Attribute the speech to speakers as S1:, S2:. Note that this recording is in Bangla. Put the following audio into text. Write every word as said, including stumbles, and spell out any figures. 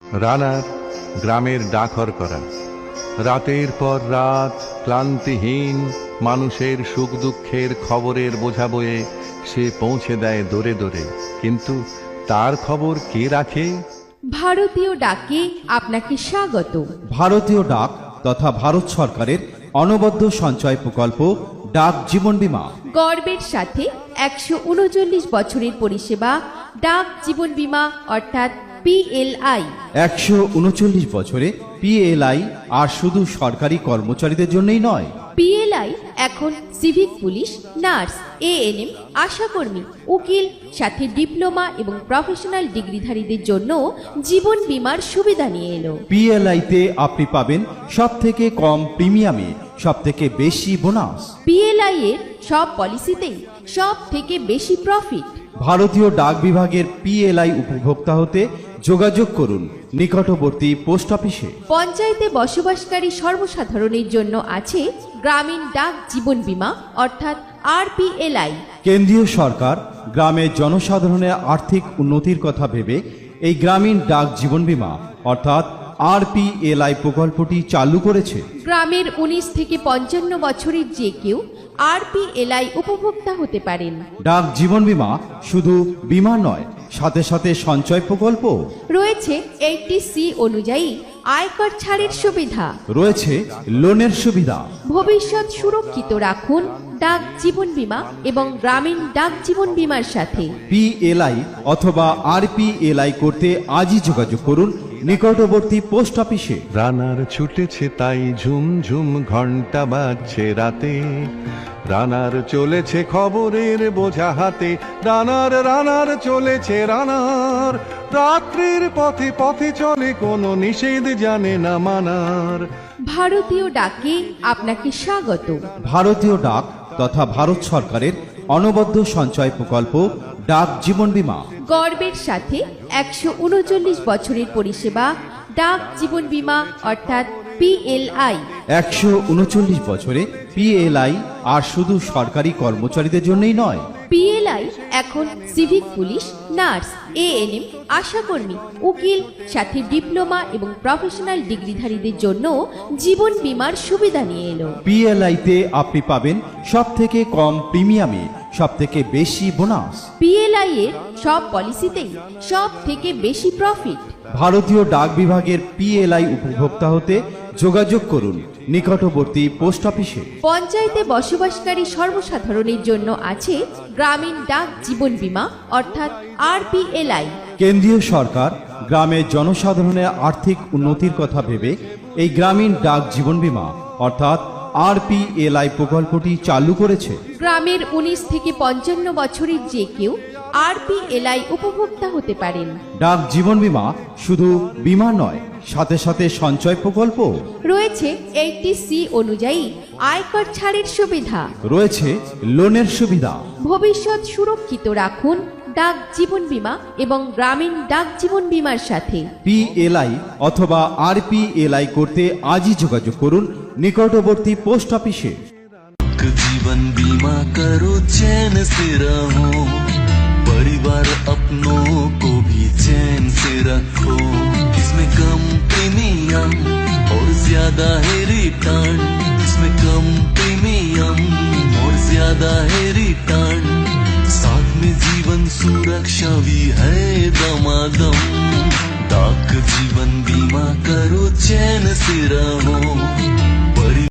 S1: রানার গ্রামের ডাকর করা। রাতের পর রাত ক্লান্তিহীন মানুষের সুখ দুঃখের খবরের বোঝা বয়ে সে পৌঁছে দেয় দোরে দোরে, কিন্তু তার খবর কে রাখে?
S2: ভারতীয় ডাকে আপনাকে স্বাগত।
S3: ভারতীয় ডাক তথা ভারত সরকারের অনবদ্য সঞ্চয় প্রকল্প ডাক জীবন বীমা
S2: গর্বের সাথে একশো উনচল্লিশ বছরের পরিষেবা ডাক জীবন বীমা অর্থাৎ পিএলআই।
S3: একশো উনচল্লিশ বছরে পিএলআই আর শুধু সরকারি কর্মচারীদের জন্যই নয়।
S2: পিএলআই এখন সিভিক পুলিশ, নার্স, এএনএম, আশাকর্মী, উকিল, সাথে ডিপ্লোমা এবং প্রফেশনাল ডিগ্রিধারীদের জন্য জীবন বীমার সুবিধা নিয়ে এলো।
S3: পিএলআই তে আপনি পাবেন সব থেকে কম প্রিমিয়ামে সব থেকে বেশি বোনাস।
S2: পিএলআই এর সব পলিসিতেই সব থেকে বেশি প্রফিট।
S3: ভারতীয় ডাক বিভাগের পিএলআই উপভোক্তা হতে যোগাযোগ করুন নিকটবর্তী পোস্ট অফিসে।
S2: পঞ্চায়েতে বসবাসকারী সর্বসাধারণের জন্য আছে গ্রামীণ ডাক জীবন বীমা অর্থাৎ আরপিএলআই।
S3: কেন্দ্রীয় সরকার গ্রামের জনসাধারণের আর্থিক উন্নতির কথা ভেবে এই গ্রামীণ ডাক জীবন বীমা অর্থাৎ আরপিএলআই প্রকল্পটি চালু করেছে।
S2: গ্রামের উনিশ থেকে পঞ্চান্ন বছরের যে কেউ আরপিএলআই উপভোক্তা হতে পারেন।
S3: ডাক জীবন বীমা শুধু বীমা নয়, সাথে সাথে সঞ্চয় প্রকল্প
S2: রয়েছে এইটি সি অনুযায়ী আয়কর ছাড়ের সুবিধা,
S3: রয়েছে লোনের সুবিধা।
S2: ভবিষ্যৎ সুরক্ষিত রাখুন ডাক জীবন বীমা এবং গ্রামীণ ডাক জীবন বীমার সাথে।
S3: পিএলআই অথবা আরপিএলআই করতে আজই যোগাযোগ করুন নিকটবর্তী পোস্ট অফিসে।
S1: রানার ছুটেছে তাই ঝুম ঝুম ঘন্টা বাজছে রাতে, রানার চলেছে খবরের বোঝা হাতে, রানার রানার চলেছে রানার, রাত্রির পথে পথে চলে কোনো নিষেধ জানে না মানার।
S2: ভারতীয় ডাকে আপনাকে স্বাগত।
S3: ভারতীয় ডাক তথা ভারত সরকারের অনবদ্য সঞ্চয় প্রকল্প ডাক জীবন বীমা
S2: গর্বের সাথে একশো উনচল্লিশ বছরের পরিষেবা ডাক জীবন বীমা অর্থাৎ পিএলআই।
S3: একশো উনচল্লিশ বছরে পিএলআই আর শুধু সরকারি কর্মচারীদের জন্যই নয়।
S2: পিএলআই এখন সিভিক পুলিশ, নার্স, এএনএম, আশাকর্মী, উকিল, সাথে ডিপ্লোমা এবং প্রফেশনাল ডিগ্রিধারীদের জন্য জীবন বীমার সুবিধা নিয়ে এলো।
S3: পিএলআই তে আপনি পাবেন সব থেকে কম প্রিমিয়ামে সব থেকে বেশি বোনাস।
S2: পিএলআই এর সব পলিসিতেই সব থেকে বেশি প্রফিট।
S3: ভারতীয় ডাক বিভাগের পিএলআই উপভোক্তা হতে যোগাযোগ করুন নিকটবর্তী পোস্ট অফিসে।
S2: পঞ্চায়েতে বসবাসকারী সর্বসাধারণের জন্য আছে গ্রামীণ ডাক জীবন বীমা অর্থাৎ আরপিএলআই।
S3: কেন্দ্রীয় সরকার গ্রামের জনসাধারণের আর্থিক উন্নতির কথা ভেবে এই গ্রামীণ ডাক জীবন বীমা অর্থাৎ আরপিএলআই প্রকল্পটি চালু করেছে।
S2: গ্রামের উনিশ থেকে পঞ্চান্ন বছরের যে কেউ আরপিএলআই উপভোক্তা হতে পারেন।
S3: ডাক জীবন বীমা শুধু বীমা নয়, সাথে সাথে সঞ্চয় প্রকল্প
S2: রয়েছে এইটি সি অনুযায়ী আয়কর ছাড়ের সুবিধা,
S3: রয়েছে লোনের সুবিধা।
S2: ভবিষ্যৎ সুরক্ষিত রাখুন ডাক জীবন বীমা এবং গ্রামীণ ডাক জীবন বীমার সাথে।
S3: পিএলআই অথবা আরপিএলআই করতে আজই যোগাযোগ করুন নিকটবর্তী পোস্ট অফিসে।
S4: जीवन बीमा करो चैन से रहो, परिवार अपनों को भी चैन से रखो। इसमें कम प्रीमियम और ज्यादा है रिटर्न, इसमें कम प्रीमियम और ज्यादा है रिटर्न, साथ में जीवन सुरक्षा भी है दमादम। डाक जीवन बीमा करो चैन से रहो।